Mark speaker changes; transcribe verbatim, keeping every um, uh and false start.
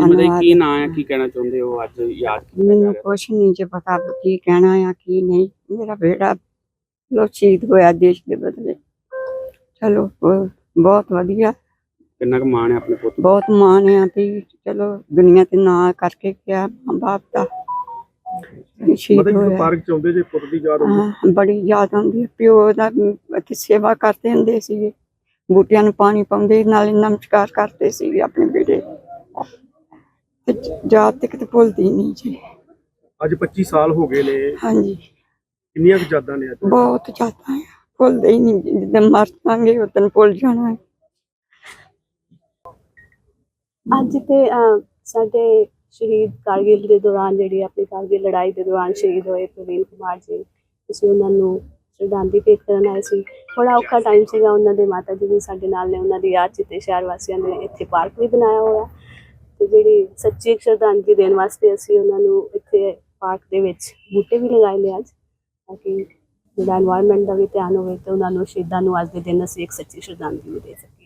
Speaker 1: ਮਤਲਬ ਕੀ ਨਾਂ ਹੈ, ਕੀ ਕਹਿਣਾ ਚਾਹੁੰਦੇ ਹੋ ਅੱਜ ਯਾਦ ਕੀਤਾ ਜਾ
Speaker 2: ਮੈਨੂੰ
Speaker 1: ਰਿਹਾ?
Speaker 2: ਕੁਛ ਨਹੀਂ ਜੇ ਪਤਾ ਕੀ ਕਹਿਣਾ ਆ ਕੀ ਨਹੀਂ। ਮੇਰਾ ਬੇਟਾ ਲੋ ਸ਼ਹੀਦ ਹੋਇਆ ਦੇਸ਼ ਦੇ ਬਦਲੇ। ਚਲੋ ਬ- ਬਹੁਤ ਵਧੀਆ,
Speaker 1: ਕਿੰਨਾ ਕੁ ਮਾਣ ਹੈ ਆਪਣੇ ਪੁੱਤ ਤੇ?
Speaker 2: ਬਹੁਤ ਮਾਣ ਆ ਵੀ ਚਲੋ ਦੁਨੀਆ ਤੇ ਨਾਂ ਕਰਕੇ ਗਿਆ ਮਾਂ ਬਾਪ ਦਾ। ਵੀ ਸ਼ਹੀਦ
Speaker 3: ਮਤਲਬ ਜਦੋਂ
Speaker 2: ਹੋਇਆ।
Speaker 3: ਪਾਰਕ ਚ ਆਉਂਦੇ ਜੇ ਪੁੱਤ ਦੀ ਯਾਦ ਆਉਂਦੀ?
Speaker 2: ਹਾਂ, ਬੜੀ ਯਾਦ ਆਉਂਦੀ ਹੈ। ਪਿਓ ਦਾ ਇੱਥੇ ਸੇਵਾ ਕਰਦੇ ਹੁੰਦੇ ਸੀਗੇ, ਬੂਟਿਆਂ ਨੂੰ ਪਾਣੀ ਪਾਉਂਦੇ ਨਾਲੇ ਨਮਸਕਾਰ ਕਰਦੇ ਸੀਗੇ ਆਪਣੇ ਬੇਟੇ। ਤੇ ਯਾਦ ਤੇ ਕਿਤੇ ਭੁੱਲਦੀ ਨਹੀਂ ਜੀ।
Speaker 3: ਅੱਜ ਪੱਚੀ ਸਾਲ ਹੋ ਗਏ ਨੇ,
Speaker 2: ਹਾਂਜੀ,
Speaker 3: ਕਿੰਨੀਆਂ ਕੁ ਯਾਦਾਂ ਨੇ ਅੱਜ?
Speaker 2: ਬਹੁਤ ਜ਼ਿਆਦਾ ਹੈ, ਭੁੱਲਦੇ ਹੀ ਨਹੀਂ। ਜਿੱਦਾਂ ਮਰ ਜਾਵਾਂਗੇ ਉਦੋਂ ਭੁੱਲ ਜਾਣਾ ਹੈ।
Speaker 4: ਅੱਜ ਤੇ ਅਹ, ਸਾਡੇ ਸ਼ਹੀਦ ਕਾਰਗਿਲ ਦੇ ਦੌਰਾਨ ਜਿਹੜੀ ਆਪਣੀ ਕਾਰਗਿਲ ਲੜਾਈ ਦੇ ਦੌਰਾਨ ਸ਼ਹੀਦ ਹੋਏ ਪ੍ਰਵੀਨ ਕੁਮਾਰ ਜੀ, ਅਸੀਂ ਉਹਨਾਂ ਨੂੰ ਸ਼ਰਧਾਂਜਲੀ ਭੇਟ ਕਰਨ ਆਏ ਸੀ। ਬੜਾ ਔਖਾ ਟਾਈਮ ਸੀਗਾ, ਉਹਨਾਂ ਦੇ ਮਾਤਾ ਜੀ ਵੀ ਸਾਡੇ ਨਾਲ ਨੇ, ਉਹਨਾਂ ਦੀ ਯਾਦ 'ਚ ਤੇ ਸ਼ਹਿਰ ਵਾਸੀਆਂ ਨੇ ਇੱਥੇ ਪਾਰਕ ਵੀ ਬਣਾਇਆ ਹੋਇਆ ਤੇ ਜਿਹੜੀ ਸੱਚੀ ਸ਼ਰਧਾਂਜਲੀ ਦੇਣ ਵਾਸਤੇ ਅਸੀਂ ਉਹਨਾਂ ਨੂੰ ਇੱਥੇ ਪਾਰਕ ਦੇ ਵਿੱਚ ਬੂਟੇ ਵੀ ਲਗਾਏ ਨੇ ਅੱਜ, ਤਾਂ ਕਿ ਜਿਹੜਾ ਐਨਵਾਇਰਨਮੈਂਟ ਦਾ ਵੀ ਧਿਆਨ ਹੋਵੇ ਤੇ ਉਹਨਾਂ ਨੂੰ ਸ਼ਹੀਦਾਂ ਨੂੰ ਅੱਜ ਦੇ ਦਿਨ ਅਸੀਂ ਇੱਕ ਸੱਚੀ ਸ਼ਰਧਾਂਜਲੀ ਦੇ ਸਕੀਏ।